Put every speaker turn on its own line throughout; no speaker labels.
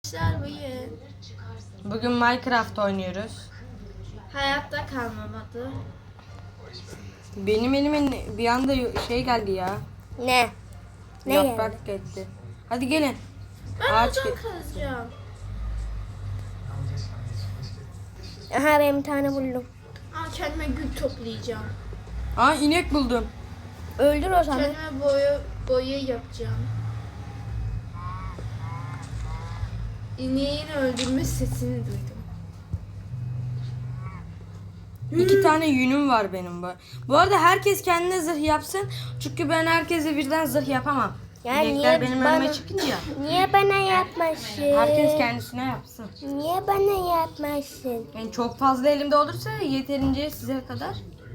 Bugün Minecraft oynuyoruz.
Hayatta kalmamadı.
Benim elime bir anda şey geldi ya.
Ne? Ne
Yaprak geldi. Hadi gelin.
Ben
Ağaç
oradan
gel.
kazacağım.
Aha ben bir tane buldum.
Kendime gül toplayacağım.
Aa inek buldum.
Öldür o zaman.
Kendime boya yapacağım. İneğin öldürme sesini duydum.
2 tane yünüm var benim bu. Bu arada herkes kendine zırh yapsın. Çünkü ben herkese birden zırh yapamam.
Ya
İnekler
niye
benim
bana-
önüme çıkınca.
Niye bana yapmasın?
Herkes kendisine yapsın.
Niye bana yapmasın?
Yani çok fazla elimde olursa yeterince size kadar.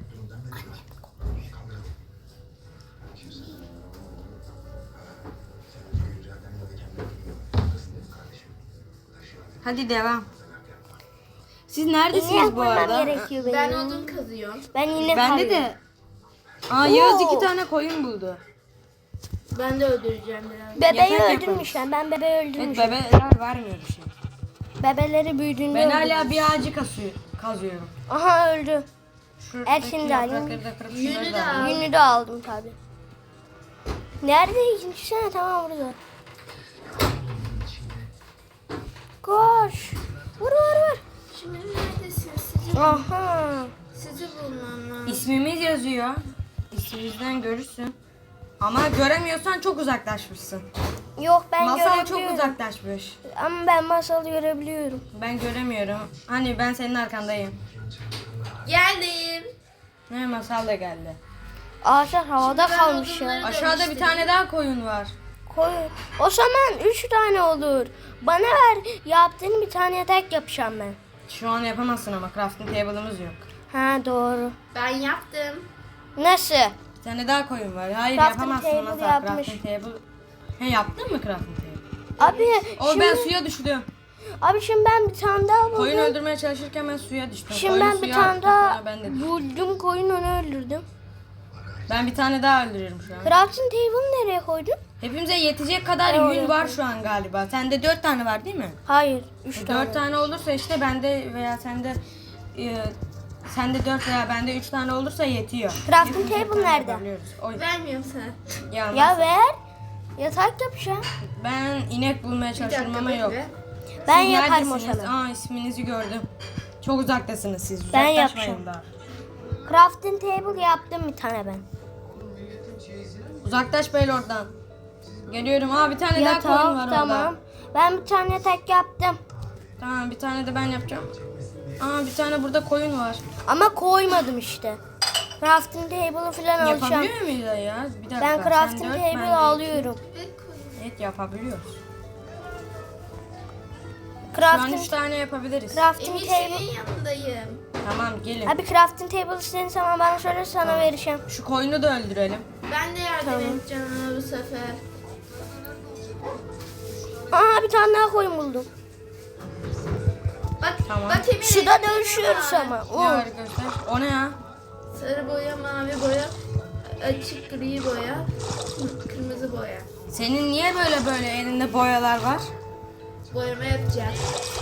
Hadi devam. Siz neredesiniz
İnek
bu
bulmam
arada?
gerekiyor benim.
Ben odun kazıyorum.
Ben yine
Bende de. Aa Yağız 2 tane koyun buldu.
Ben de öldüreceğim biraz.
Bebeği
Yatak
öldürmüşler. Ben bebeği
Evet
öldürmüşüm.
bebeler vermiyor bir şey.
Bebeleri büyüdüğünde
Ben
öldürmüş.
hala bir ağacı kazıyorum.
Aha öldü.
Şuradaki
şimdi alayım.
yaprakları da kırıp
Yünü
şunları
de
da
al.
alayım.
Yünü de aldım tabi. Nerede ikinci sene? Tamam burada. Koş. Vur vur vur.
Şimdi neredesiniz?
Aha.
Sizi bulmam lazım.
İsmimiz yazıyor. İsmimizden görürsün. Ama göremiyorsan çok uzaklaşmışsın.
Yok ben
Masal çok
görebiliyorum.
uzaklaşmış.
Ama ben masalı görebiliyorum.
Ben göremiyorum. Hani ben senin arkandayım.
Geldim.
Ne masal da geldi.
Ağaçlar havada
ben
kalmış ya.
odunları-
Aşağıda bir tane daha koyun var.
Koy. O zaman 3 tane olur. Bana ver. Yaptığın bir tane yatak yapacağım ben.
Şu an yapamazsın ama crafting table'ımız yok.
Ha doğru.
Ben yaptım.
Nasıl?
Bir tane daha koyun var. Hayır
Crafting
yapamazsın
table
masal.
yapmış.
Crafting table. He yaptın mı crafting table?
Abi
O
şimdi,
ben suya düştüm.
şimdi ben bir tane daha buldum.
Koyun öldürmeye çalışırken ben suya düştüm.
Şimdi
Koyun
ben bir
suya
tane
attı,
daha
sonra ben de düştüm.
buldum, koyun onu öldürdüm.
Ben bir tane daha öldürüyorum şu an.
Crafting table'ı nereye koydun?
Hepimize yetecek kadar
oraya
yün var
koydum.
şu an galiba. Sende 4 tane var değil mi?
Hayır 3 tane.
4 tane olursa işte bende veya sende 4 veya bende 3 tane olursa yetiyor.
Crafting
Hepimiz bir
table
tane
nerede?
yapabiliyoruz. Oy.
Vermiyorum sana.
Ya,
Ya ver. Yatak yapacağım.
ben inek bulmaya
Bir
çalışıyorum
dakika
ama yok.
bekle.
Ben
Siz
yaparım o
neredesiniz?
zaman.
Aa isminizi gördüm. Çok uzaktasınız siz.
Ben
Uzaklaşmayın
yapacağım.
daha.
Crafting table yaptım bir tane ben.
Uzaklaş böyle oradan. Geliyorum. Aa bir tane daha koyun var
Tamam.
orada.
Ben bir tane yatak yaptım.
Tamam bir tane de ben yapacağım. Aa bir tane burada koyun var.
Ama koymadım işte. Crafting table'ı falan alacağım.
Yapabiliyor muyuz ya? Bir dakika.
Ben
sen
crafting
dört, ben
table
de
alıyorum.
iki. Evet yapabiliyoruz. Şu an 3
Crafting,
tane yapabiliriz.
crafting
Emir
table.
senin yanındayım.
Tamam gelin.
Abi crafting table istediğin zaman bana söyle sana vereceğim.
Şu koyunu da öldürelim.
Ben de yardım
Tamam.
edeceğim ona bu sefer.
Aa bir tane daha koyun buldum.
Bak,
Tamam.
bak Emir.
Suda
elimde ne
dövüşüyoruz
var?
ama.
Ne var göster. O ne ya?
Sarı boya, mavi boya, açık gri boya, kırmızı boya.
Senin niye böyle elinde boyalar var?
Boyama yapacağız.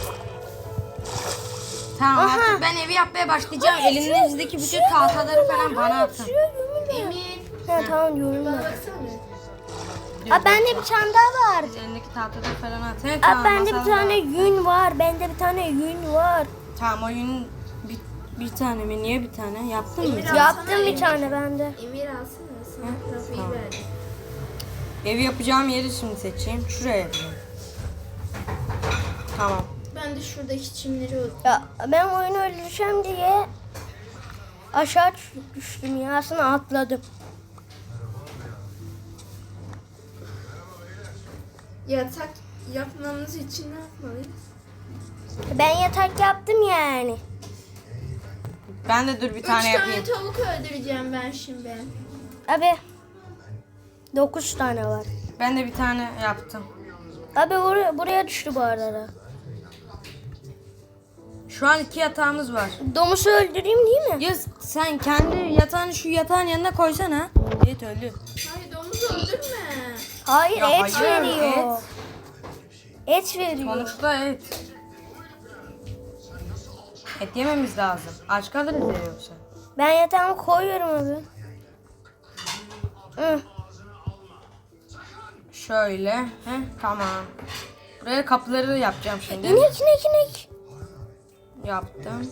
Tamam
Aha.
artık ben evi yapmaya başlayacağım. Elinizdeki bütün tahtaları falan bana atın.
Emir,
Ha tamam
bana
yorumlar.
baksana.
Abi bende bir tane daha var.
Elindeki tahtaları falan at. He,
Abi
tamam,
bende bir
masal
tane
var.
yün var. Bende bir tane yün var.
Tamam oyun bir tane mi? Niye bir tane? Yaptın mı?
Emir al.
Yaptım bir tane bende.
Emir alsana sana trafiği
Tamam.
verdim.
Evi yapacağım yeri şimdi seçeyim. Şuraya yapayım. Tamam.
Ben de şuradaki çimleri öldüm.
Ya ben oyunu öldüreceğim diye aşağı düştüm ya. Aslında atladım.
Yatak yapmamız için ne yapmalıyız?
Ben yatak yaptım yani.
Ben de dur bir
3
tane
tane
yapayım.
tavuk öldüreceğim ben şimdi.
Abi 9 tane var.
Ben de bir tane yaptım.
Abi buraya düştü bu arada.
Şu an 2 yatağımız var.
Domuzu öldüreyim değil mi?
Ya sen kendi yatağını şu yatağın yanına koysana. Evet öldü.
Hayır domuz öldürme.
Hayır
Ya
et
hayır,
veriyor.
et.
Et veriyor.
Sonuçta et. Et yememiz lazım. Aç kalırız ya yoksa.
Ben yatağımı koyuyorum abi. Hı.
Şöyle. Tamam. Buraya kapıları yapacağım şimdi.
İnek.
Yaptım.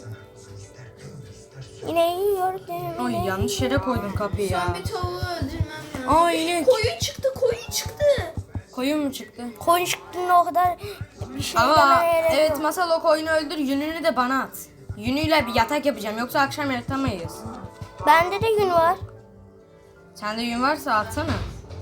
İneği yiyor.
Ay yanlış yere koydum kapıyı ya.
Son bir tavuğu öldürmem lazım.
Aa inek.
Koyun çıktı.
Koyun mu çıktı?
Koyun çıktığında o kadar bir şey
Ama
demene gerek
evet
yok.
Masal o koyunu öldür. Yününü de bana at. Yünüyle bir yatak yapacağım. Yoksa akşam yatamayız.
Bende de gün var.
Sende yün varsa atsana.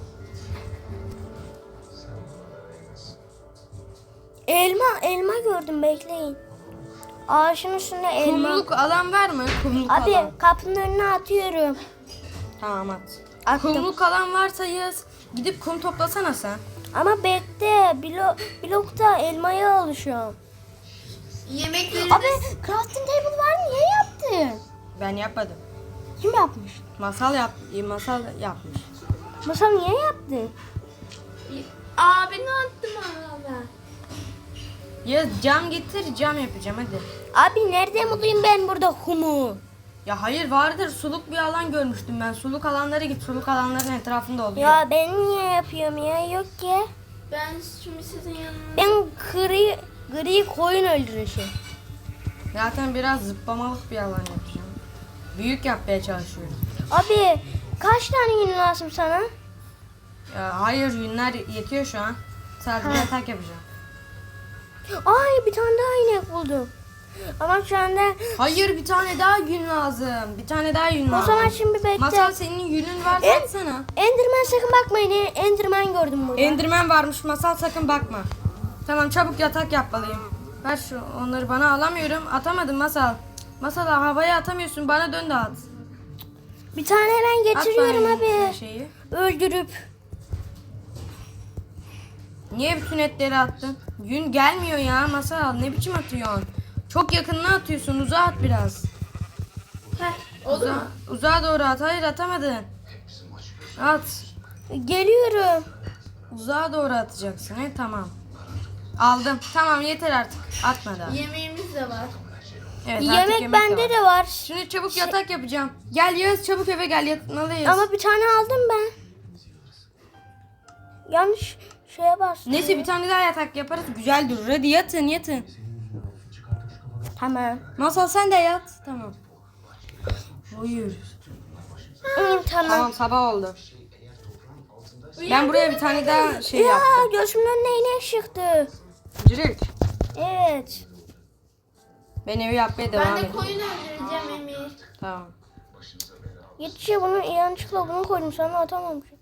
Elma gördüm, bekleyin. Ağaçın üstünde elma.
Kumluk alan var mı? Kumluk
Abi
alan.
kapının önüne atıyorum.
Tamam at.
Attım.
Kumluk alan varsa yaz. Gidip kum toplasana sen.
Ama bekle, blokta elmaya alışıyorum.
Yemekleri
Abi
de
crafting table var mı? Niye yaptın?
Ben yapmadım.
Kim yapmış?
Masal yapmış.
Masal niye yaptın?
abine attım abi.
Ya cam getir, cam yapacağım hadi.
Abi nerede bulayım ben burada kumu?
Ya hayır vardır, suluk bir alan görmüştüm ben. Suluk alanlara git, suluk alanların etrafında oluyor.
Ya ben niye yapıyorum ya? Yok ki.
Ben şimdi sizin yanınızda.
Ben gri koyun öldürüşü.
Zaten biraz zıplamalık bir alan yapacağım. Büyük yapmaya çalışıyorum.
Abi kaç tane yün lazım sana?
Ya hayır, yünler yetiyor şu an. Sadece yatak yapacağım.
Ay bir tane daha inek buldum. Ama şu anda
Hayır, bir tane daha yün lazım. Bir tane daha yün
o
lazım.
zaman şimdi bekle.
Masal senin yünün varsa
En-
atsana.
Enderman sakın bakmayın. Enderman gördüm burada.
Enderman varmış, Masal sakın bakma. Tamam, çabuk yatak yapmalıyım. Ver onları bana, alamıyorum. Atamadım Masal. Masal havaya atamıyorsun, bana dön de at.
Bir tane ben
At
getiriyorum
bana
abi.
şeyi.
Öldürüp.
Niye bütün etleri attın? Yün gelmiyor ya Masal, ne biçim atıyorsun? Çok yakınına atıyorsun, uzağa at biraz.
Heh, oldu mu?
Uzağa doğru at, hayır atamadın. At.
Geliyorum.
Uzağa doğru atacaksın, tamam. Aldım, tamam yeter artık, atma daha.
Yemeğimiz de var.
Evet, artık
Yemek bende
var.
de var.
Şimdi çabuk yatak yapacağım. Gel Yağız, çabuk eve gel, yatmalıyız.
Ama bir tane aldım ben. Yanlış şeye bastım.
Neyse bir tane daha yatak yaparız, güzel durur. Hadi yatın.
Tamam.
Masal sen de yat. Tamam. Uyur.
Tamam.
Tamam, sabah oldu. Ben buraya bir tane daha şey
Ya
yaptım.
gözümün önüne inek çıktı.
Cirik.
Evet.
Ben evi yapmaya devam
Ben de
edeyim.
koyun öldüreceğim Emir.
Tamam.
Yetişe bunu yanlışlıkla bunu koydum sana atamamışım.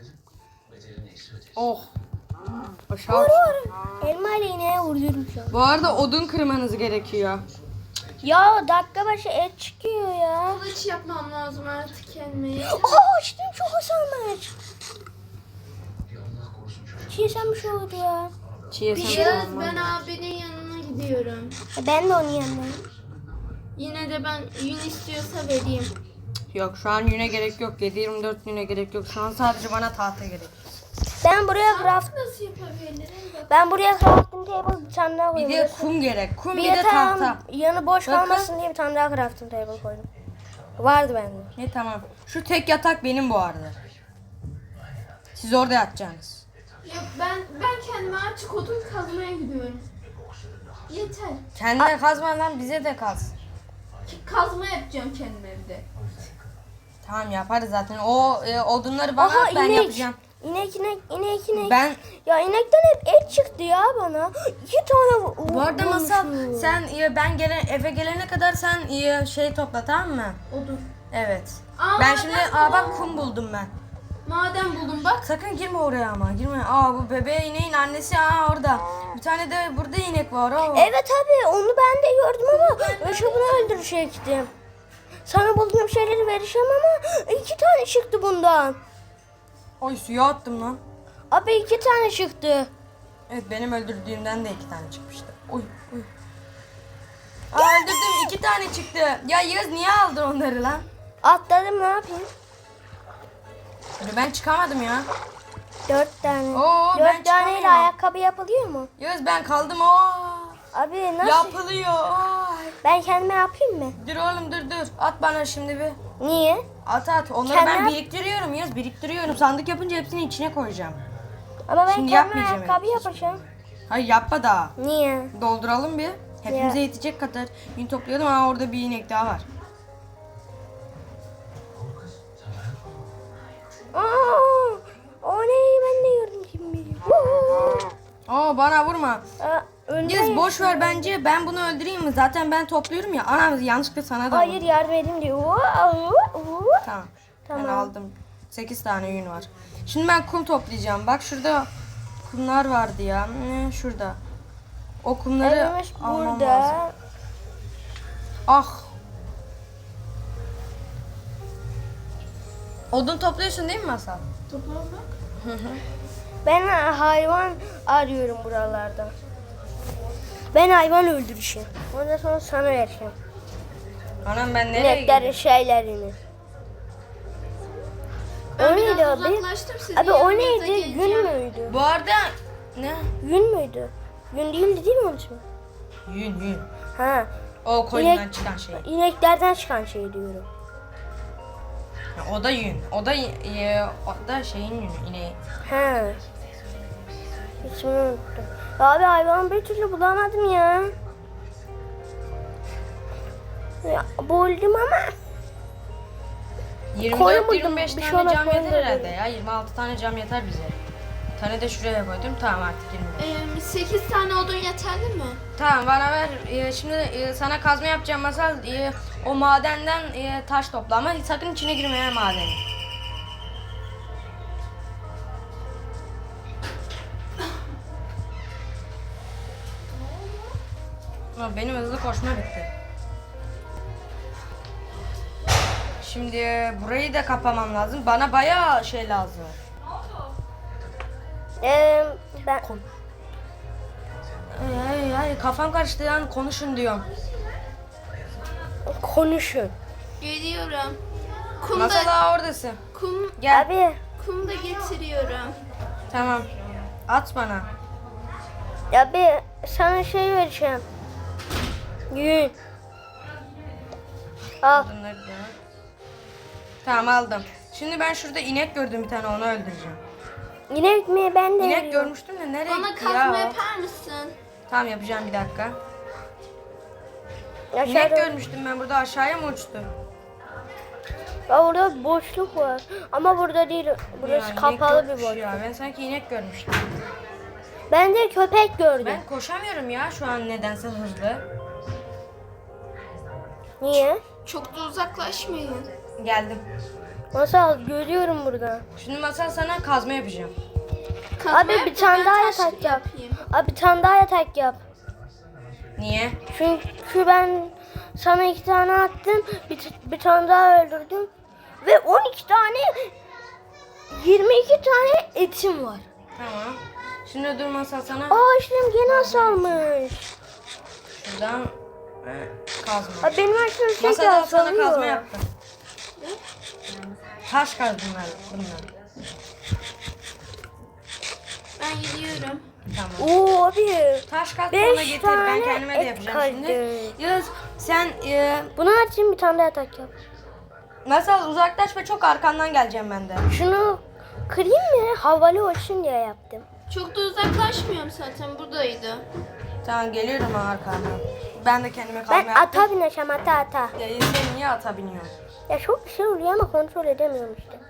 Oh.
Vur
Aşağı.
vur. Elma ile ineğe vuruyorum şu an.
Bu arada odun kırmanız gerekiyor.
Ya dakika başı et çıkıyor ya.
Kılıç yapmam lazım artık kendime.
Aa açtım çok hasanmış. Çiğsem bir şey oldu ya.
Çiğ
Yağız ben abinin yanına gidiyorum.
Ben de onun yanındayım.
Yine de ben yün istiyorsa vereyim.
Yok, şu an yüne gerek yok. 7-24 yüne gerek yok. Şu an sadece bana tahta gerek.
Ben buraya craft
Nasıl yapabilirim?
ben buraya crafting table bir tane daha
Bir
koydum.
de kum gerek. Kum
Bir
bir de
yatağın
tahta.
yanı boş
Bakın.
kalmasın diye bir tane daha crafting table koydum. Vardı bende.
Tamam. Şu tek yatak benim bu arada. Siz orada yatacaksınız.
Yok ben kendime artık odun kazmaya gidiyorum. Yeter.
Kendine kazma lan, bize de kaz.
Kazma yapacağım kendim evde.
Tamam, yaparız zaten. O odunları bana
Aha
at, ben
inek.
yapacağım.
İnek.
Ben
Ya inekten hep et çıktı ya bana. 2 tane
bu arada Masal
bulmuşum.
sen ben eve gelene kadar sen şey topla, tamam mı?
Odun.
Evet.
Aa,
Ben şimdi
ben-
bak kum buldum ben.
Maden buldum bak.
Sakın girme oraya ama, girme. Bu bebeğe ineğin annesi orada. Bir tane de burada inek var.
Evet abi onu ben de gördüm ama önce bunu öldürecektim. Sana bulduğum şeyleri vereceğim ama 2 tane çıktı bundan.
Oy, suya attım lan.
Abi 2 tane çıktı.
Evet, benim öldürdüğümden de 2 tane çıkmıştı. Oy. Öldürdüm, 2 tane çıktı. Ya Yağız niye aldın onları lan?
Atladım ne yapayım?
Ben çıkamadım ya.
4 tane.
Oo, ben
4 taneyle
çıkamıyorum.
ayakkabı yapılıyor mu?
Yağız ben kaldım. Oo.
Abi nasıl?
Yapılıyor. Oo.
Ben kendime yapayım mı?
Dur oğlum dur. At bana şimdi bir.
Niye?
At. Onları
Kendine
ben
yap.
biriktiriyorum Yağız. Biriktiriyorum. Sandık yapınca hepsini içine koyacağım.
Ama ben
Şimdi
kendime
yapmayacağım
ayakkabı
hiç.
yapacağım.
Hayır yapma daha.
Niye?
Dolduralım bir. Hepimize
Ya.
yetecek kadar. Yün toplayalım. Aa orada bir inek daha var.
Aa, o ne? Ben de gördüm kim bilir.
Oo bana vurma.
Önüne
Yağız boş ver bence. Ben bunu öldüreyim mi? Zaten ben topluyorum ya. Anam yanlışlıkla sana da
Hayır
vurdum.
yardım edeyim diyor.
Tamam.
Tamam.
Ben aldım. 8 tane yün var. Şimdi ben kum toplayacağım. Bak şurada kumlar vardı ya. Şurada. O kumları
Evimiz
almam lazım.
burada.
Ah. Odun topluyorsun değil mi Masal?
Toplamak.
Ben hayvan arıyorum buralarda. Ben hayvan öldürüşüm. Ondan sonra sana vereceğim.
Anam ben nereye
İneklerin
gidiyorum?
şeylerini.
Ben
O neydi
biraz
abi?
uzaklaştım, sizin
Abi o
yanınıza
neydi?
geleceğim.
Gün müydü?
Bu arada ne?
Gün müydü? Gün değildi değil mi onun ismi?
Yün.
Ha.
O koyundan
İnek-
çıkan şey.
İneklerden çıkan şey diyorum.
O da yün. O da şeyin yünü. İneği.
Ha. İsmini unuttum. Abi hayvan bir türlü bulamadım ya. Ya buldum ama. Koyun buldum,
24-25
bir şey
tane
olmaz,
cam
koyun
yeter
buldum.
herhalde ya. 26 tane cam yeter bize. Bir tane de şuraya koydum. Tamam artık 25.
8 tane odun yeterli mi?
Tamam bana ver. Şimdi sana kazma yapacağım Masal. O madenden taş topla ama sakın içine girme ha madeni. Ama benim hızlı koşma bitti. Şimdi burayı da kapamam lazım. Bana bayağı şey lazım.
Ben
Ay, kafam karıştı yani konuşun diyorum.
konuşun.
Geliyorum.
Masal oradasın.
Kum,
Gel.
Abi.
kum da getiriyorum.
Tamam. At bana.
Abi sana şey vereceğim. Yün. Al.
Bunları da. Tamam aldım. Şimdi ben şurada inek gördüm bir tane onu öldüreceğim.
İnek mi? Ben de
İnek
veriyorum.
görmüştüm de nereye
Bana
gitti
kazma
ya? o?
yapar mısın?
Tamam yapacağım bir dakika. İnek
Aşağıda.
görmüştüm ben burada aşağıya mı uçtu?
Aa, orada boşluk var. Ama burada değil. Burası
Ya, inek
kapalı bir
yokmuş
boşluk.
ya. Ben sanki inek görmüştüm.
Ben de köpek gördüm.
Ben koşamıyorum ya şu an nedense hızlı.
Niye?
Çok da uzaklaşmayın.
Geldim.
Nasıl görüyorum burada.
Şimdi Masal sana kazma yapacağım.
Kazma
Abi
yap
bir
da
tane
ben
daha
taş
yatak yap.
yapayım.
Abi bir tane daha yatak yap.
Niye?
Çünkü ben sana 2 tane attım. Bir tane daha öldürdüm. Ve 12 tane 22 tane etim var.
Tamam. Şimdi dur Masal sana
Aa işlem gene azalmış.
şuradan kazma.
Abi benim açtığım şey
Masada sana
azalıyor.
kazma yaptım. Taş kaz bunlar.
Ben gidiyorum.
Tamam.
Oo abi.
Taş kaz
Beş
bana getir. Ben
tane
kendime de
et
yapacağım şimdi.
kaldı.
Yağız sen
Bunu açayım bir tane daha yatak yap.
Masal uzaklaş ve çok arkandan geleceğim ben de.
Şunu kırayım mı? Havalı olsun diye yaptım.
Çok da uzaklaşmıyorum zaten, buradaydı.
Tamam geliyorum arkandan. Ben de kendime kazma
Ben
yaptım.
ata bineceğim ata.
Ya sen niye ata biniyorsun?
Ya çok bir şey oluyor ama kontrol edemiyorum işte.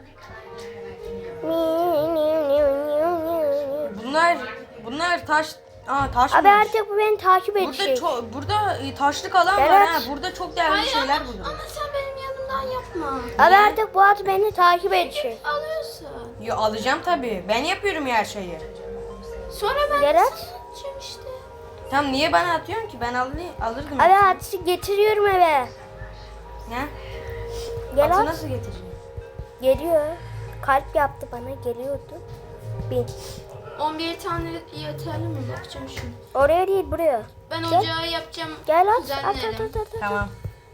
Bunlar taş. Taş
Abi
mı?
artık bu beni takip
Burada
edecek.
burada taşlık alan var
Evet.
ha. Burada çok değerli
Hayır
şeyler
ama,
bulurum.
ama sen benim yanımdan yapma.
Abi artık bu at beni takip edecek.
Alıyorsun.
Yo alacağım tabii. Ben yapıyorum her şeyi.
Sonra ben
Gel at.
atacağım işte.
Tam niye bana atıyorsun ki? Ben alırdım.
Abi atı getiriyorum eve.
Ne?
Gel
Atı
at.
nasıl getireceğim?
Geliyor. Kalp yaptı bana geliyordu. Bin.
11 tane yeterli mi? Bakacağım şimdi.
Oraya değil buraya.
Ben
Gel.
ocağı yapacağım.
Gel at. At
düzenlerim.
at.
Tamam.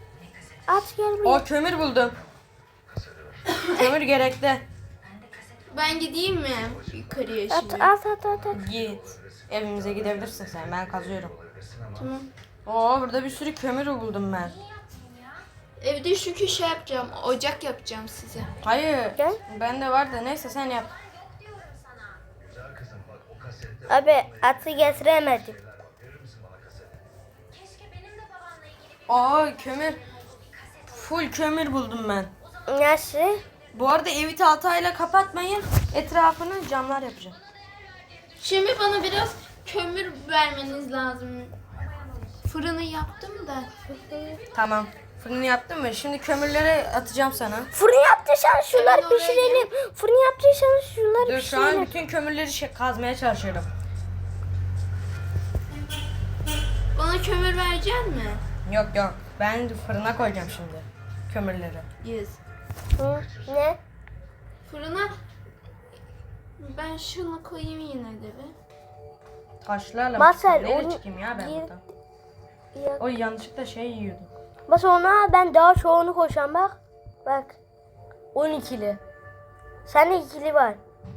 At gel buraya.
O kömür buldum. Kömür gerekli.
Ben gideyim mi yukarıya
At
şimdi?
at at at. at.
Git. Evimize gidebilirsin sen. Ben kazıyorum.
Tamam.
Oo burada bir sürü kömür buldum ben.
Evde çünkü şey yapacağım. Ocak yapacağım size.
Hayır.
Gel.
Bende var da neyse sen yap.
Abi atı getiremedim.
Aa kömür. Full kömür buldum ben.
Nasıl?
Bu arada evi tahtayla kapatmayın. Etrafını camlar yapacağım.
Şimdi bana biraz kömür vermeniz lazım. Fırını yaptım da.
Tamam. Fırını yaptın mı? Şimdi kömürleri atacağım sana.
Fırın yaptıysan şunları
Hemen oraya
pişirelim. Fırın yaptıysan şunları
Dur şu an
pişirelim.
bütün kömürleri kazmaya çalışıyorum.
Bana kömür verecek mi?
Yok yok. Ben fırına koyacağım şimdi kömürleri.
Yes.
Hı, ne?
Fırına ben şunu koyayım yine de bir.
Taşlarla
Masal,
neyle
onu
çıkayım ya ben
gir-
buradan?
Ya,
Oy yanlışlıkla şey yiyordum.
bas ona ben daha çoğunu koşan bak. Bak. 12'li. Sende ikili var.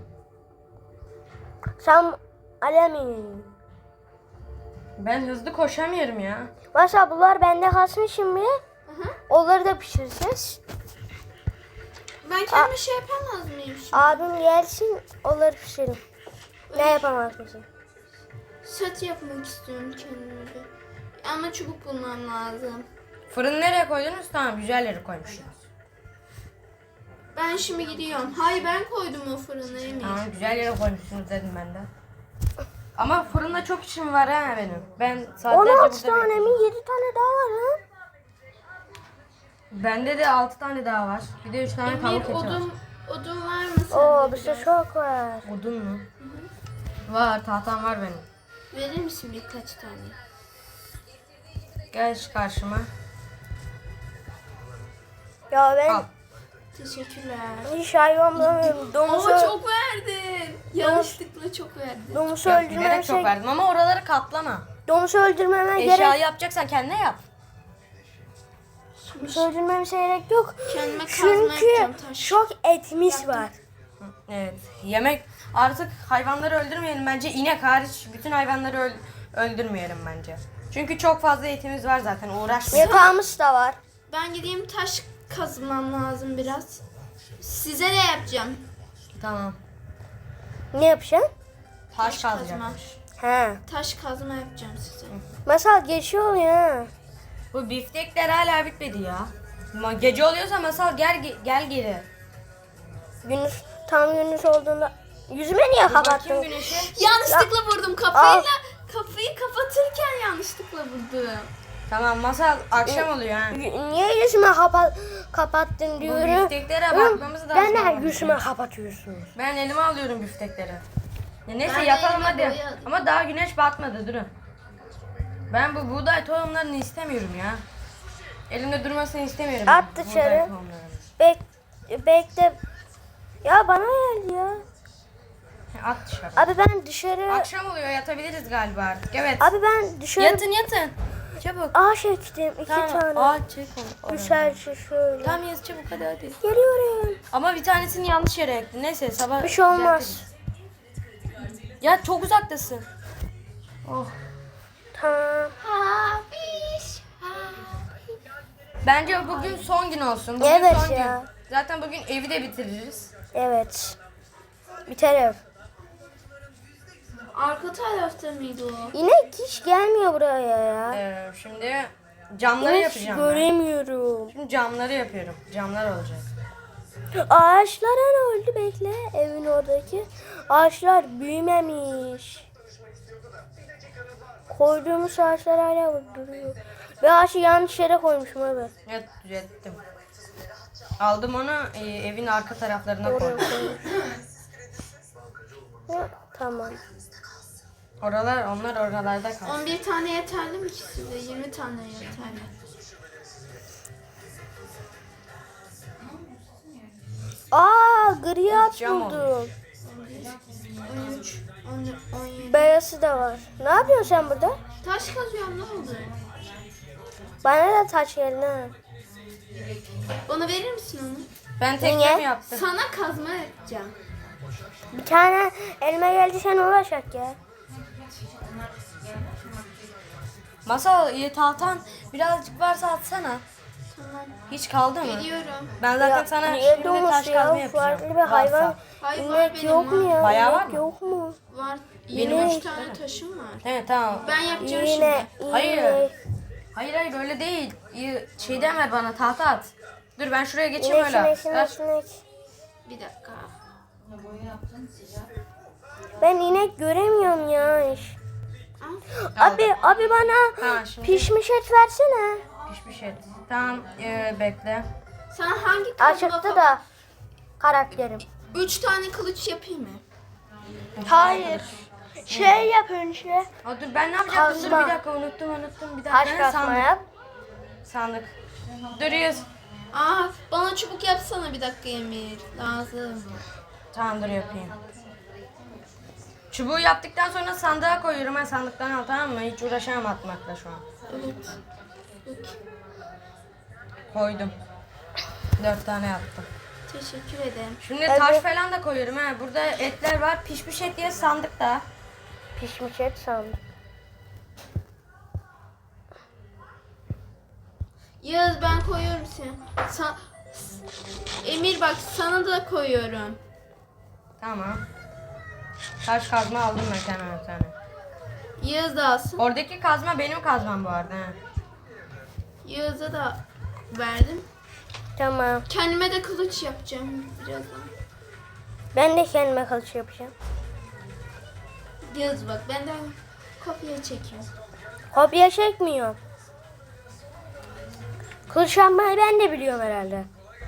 Sen alemiyorsun.
Ben hızlı koşamıyorum ya.
Mesela bunlar bende kalsın şimdi.
Hı.
Onları da pişireceğiz.
Ben kendi şey yapamaz mıyım şimdi?
Abim gelsin onları pişirelim. Ne yapamaz mısın?
Set yapmak istiyorum kendime bir. Ama çubuk bulmam lazım.
Fırını nereye koydunuz? Tamam güzel yere koymuşsunuz.
Ben şimdi gidiyorum. Hayır ben koydum o fırına Emir.
Tamam güzel yere koymuşsunuz dedim ben de. Ama fırında çok işim var ha benim. Ben saatlerce
16
burada
tane mi?
bekliyorum.
7 tane daha var ha?
Bende de 6 tane daha var. Bir de 3 tane
Emir
tavuk eti var.
odun var mı sende?
Oo bizde
biraz?
çok var.
Odun mu? Var tahtam var benim.
Verir misin birkaç tane?
Gel şu karşıma.
Ya ben
Al.
Teşekkürler.
hiç hayvan bulamıyorum. Domuzu,
Oo çok verdin. Yanlışlıkla çok verdin.
domuzu
Yok,
öldürmeme
bilerek çok
şey,
verdim ama oraları katlama.
domuzu öldürmeme
Eşya
gerek,
yapacaksan kendine yap.
domuzu öldürmeme gerek yok.
Kendime kazma
Çünkü
yapacağım taş.
çok etimiz var.
Evet. Yemek artık hayvanları öldürmeyelim bence. İnek hariç bütün hayvanları öldürmeyelim bence. Çünkü çok fazla etimiz var zaten. Uğraşmayalım.
Yatağımız da var.
Ben gideyim taş kazmam lazım biraz. Size de yapacağım.
Tamam.
Ne yapacaksın?
Taş
kazma.
kazacakmış.
He.
Taş kazma yapacağım size.
Masal geçiyor ya.
Bu biftekler hala bitmedi ya. Gece oluyorsa masal gel geri.
Gündüz, tam gündüz olduğunda yüzüme niye
Bakayım
kapattın?
güneşe.
Yanlışlıkla vurdum kafayla. Kafayı kapatırken yanlışlıkla vurdum.
Tamam masal akşam oluyor ha.
Niye yüzüme kapattın
Bu
diyorum.
bifteklere bakmamız lazım.
Ben de
ama.
yüzüme kapatıyorsunuz.
Ben elime alıyorum biftekleri. Ya neyse
Ben de
yatalım
elime
hadi.
boyadım.
Ama daha güneş batmadı durun. Ben bu buğday tohumlarını istemiyorum ya. Elimde durmasını istemiyorum.
At
buğday
dışarı.
tohumlarını.
Bekle. Ya bana geldi ya.
At dışarı.
Abi ben dışarı.
Akşam oluyor yatabiliriz galiba artık. Evet.
Abi ben dışarı.
Yatın. Çabuk.
Ağaç ektim 2
Tamam.
tane.
Aa çek onu.
Güzelce şöyle.
Tamam yaz çabuk hadi.
Geliyorum.
Ama bir tanesini yanlış yere ektin. Neyse sabah.
Bir şey olmaz.
düzeltiriz. Ya çok uzaktasın. Oh.
Tamam.
Hafiş.
Bence bugün son gün olsun. Bugün
Evet
son
ya.
gün. Zaten bugün evi de bitiririz.
Evet. Biter ev.
Arka tarafta mıydı o?
İnek hiç gelmiyor buraya ya.
Şimdi camları
İnek
yapacağım ben.
göremiyorum.
Şimdi camları yapıyorum. Camlar olacak.
Ağaçlara ne oldu bekle evin oradaki. Ağaçlar büyümemiş. Koyduğumuz ağaçlar hala duruyor. Ve ağaçı yanlış yere koymuşum abi.
Evet düzelttim. Aldım onu evin arka taraflarına
Oraya
koydum.
koymuş. Ya, tamam.
Onlar oralarda kaldı.
11 tane yeterli mi ki size? 20 tane yeterli.
Aa gri at
Cam
buldum.
13, 17.
Beyazı da var. Ne yapıyorsun sen burada?
Taş kazıyorum ne oldu?
Bana da taş geldi ha.
Bana verir misin onu?
Ben tekne
Niye?
mi yaptım?
Sana kazma yapacağım.
Bir tane elime geldi sen uğraşak ya.
Masal tahtan birazcık varsa atsana.
Tamam.
Hiç kaldı mı?
Geliyorum.
Ben zaten
Ya,
sana
niye
şimdi taş
domuz
kazma
ya?
yapacağım.
Farklı bir hayvan.
Varsa.
Hayır, var
İnek
benim,
yok mu
var.
ya?
Bayağı
İnek
var mı?
yok mu?
Var.
Benim
23
üç
tane taşım var.
Evet tamam.
Ben yapacağım
Yine,
şimdi.
Hayır.
inek.
Hayır öyle değil. Şeyden ver bana tahta at. Dur ben şuraya geçeyim
İnek,
öyle.
inek, inek, inek.
Bir dakika.
Ben inek göremiyorum ya.
Al.
Abi bana
Ha, şimdi-
pişmiş et versene.
Pişmiş et. Tamam bekle.
Sana hangi kazma
Açıktı da karakterim.
3 tane kılıç yapayım mı?
Hayır. Şey yap önce.
Aa, dur ben ne yapacaktım? Dur
Kazma.
bir dakika unuttum bir dakika.
Taş
Ha,
kasma
sandık.
yap.
Sandık. Dur yüz.
Aa, bana çubuk yapsana bir dakika Emir. Lazım.
Tamam dur yapayım. Çubuğu yaptıktan sonra sandığa koyuyorum. Ben sandıktan al tamam mı? Hiç uğraşamam atmakla şu an.
Evet. Peki.
Koydum. 4 tane yaptım.
Teşekkür ederim.
Şimdi
Evet.
taş falan da koyuyorum ha. Burada etler var. Pişmiş et diye sandıkta.
Pişmiş et sandım.
Yağız ben koyuyorum seni. Emir bak sana da koyuyorum.
Tamam. Taş kazma aldım ben kendime bir tane.
Yağız da alsın.
Oradaki kazma benim kazmam bu arada. Ha.
Yağız'a da verdim.
Tamam.
Kendime de kılıç yapacağım birazdan.
Ben de kendime kılıç yapacağım.
Yağız bak benden kopya çekiyorum.
Kopya çekmiyorum. Kılıç yapmayı ben de biliyorum herhalde.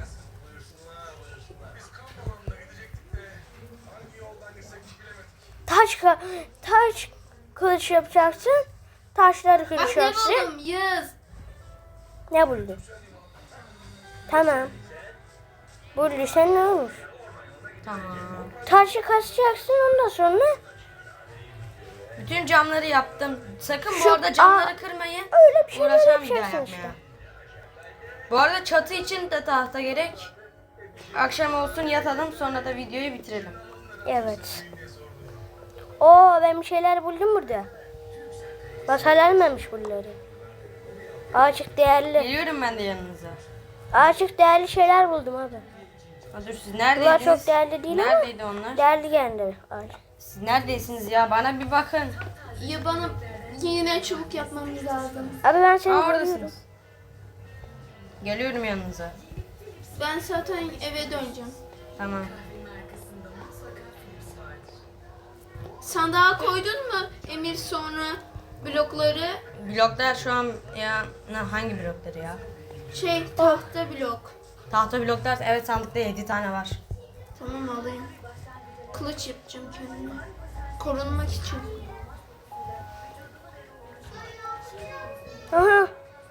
Taş kılıç yapacaksın. Taşları
Bak
kılıç
ne
yapacaksın.
buldum Yağız.
Ne buldun? Tamam. Bulduysan ne olmuş?
Tamam.
Taşı kasacaksın ondan sonra
Bütün camları yaptım. Sakın bu
Şu-
arada camları kırmayın.
öyle bir şeyler
Uğraşamam bir daha
yapacaksın
yapmaya.
işte.
Bu arada çatı için de tahta gerek. Akşam olsun yatalım sonra da videoyu bitirelim.
Evet. Oo ben bir şeyler buldum burada. Masal almamış bunları. Açık değerli.
Geliyorum ben de yanınıza.
Açık değerli şeyler buldum abi.
Ha, dur siz
Bunlar
neredeydiniz?
çok değerli değil ama
Neredeydi onlar?
değerli geldi. Açık.
Siz neredesiniz ya? Bana bir bakın.
Ya bana yine çubuk yapmamız lazım.
Abi ben seni
Aa,
görüyorum.
oradasınız. Geliyorum yanınıza.
Ben zaten eve döneceğim.
Tamam.
Sandığa koydun mu Emir sonra blokları?
Bloklar şu an ya hangi blokları ya?
Tahta blok.
Tahta bloklar evet sandıkta 7 tane var.
Tamam alayım. Kılıç yapacağım kendime. Korunmak için.
Aha.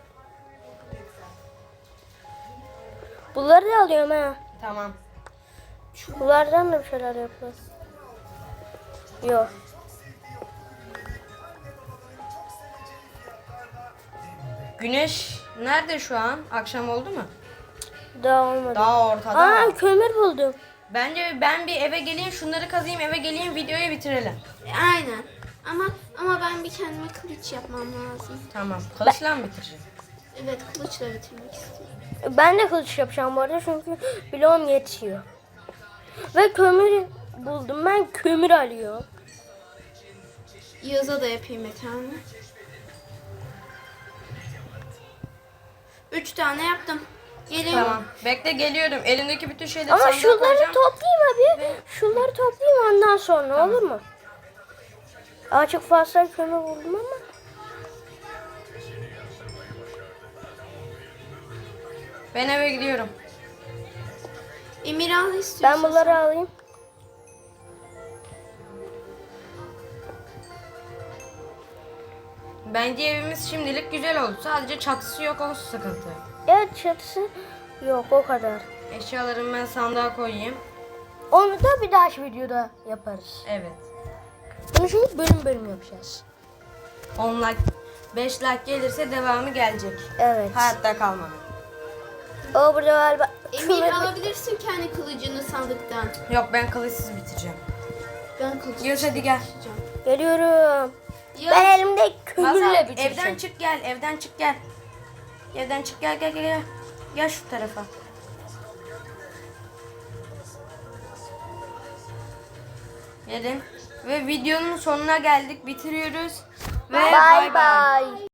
Bunları da alıyorum ha.
Tamam.
Bunlardan da bir şeyler yapalım. Yok.
Güneş nerede şu an? Akşam oldu mu?
Daha olmadı.
Daha ortada.
Aa kömür buldum.
Bence ben bir eve geleyim şunları kazıyım eve geleyim videoyu bitirelim.
Aynen. Ama ben bir kendime kılıç yapmam lazım.
Tamam. Kılıçla mı bitireceğim?
Evet kılıçla bitirmek istiyorum.
Ben de kılıç yapacağım bu arada çünkü bloğum yetişiyor. Ve kömür buldum. Ben kömür alıyorum.
Yaz'a da yapayım bir tane. 3 tane yaptım. Geliyorum.
Tamam. Bekle geliyorum. Elimdeki bütün şeyleri
Ama
sandığa
şunları
koyacağım.
toplayayım abi. Şunları toplayayım ondan sonra olur mu? Açık fazla kömür buldum ama.
Ben eve gidiyorum.
Emir al istiyorsan.
Ben bunları alayım.
Bence evimiz şimdilik güzel oldu. Sadece çatısı yok o sıkıntı.
Evet çatısı yok o kadar.
Eşyalarımı ben sandığa koyayım.
Onu da bir dahaki videoda yaparız.
Evet.
Bunu şimdi bölüm bölüm yapacağız.
10 like, 5 like gelirse devamı gelecek.
Evet.
Hayatta kalmadı.
O burada galiba
Emir
kömür-
alabilirsin kendi kılıcını sandıktan.
Yok ben kılıçsız bitireceğim.
Ben kılıç
Yunus hadi gel.
taşıyacağım.
Geliyorum.
Ya,
Ben elimde kömürle
Masal
bitireceğim.
evden çık gel. Evden çık gel. Evden çık gel gel gel. Gel, gel şu tarafa. Gelin. Ve videonun sonuna geldik. Bitiriyoruz. Ve
Bye bye.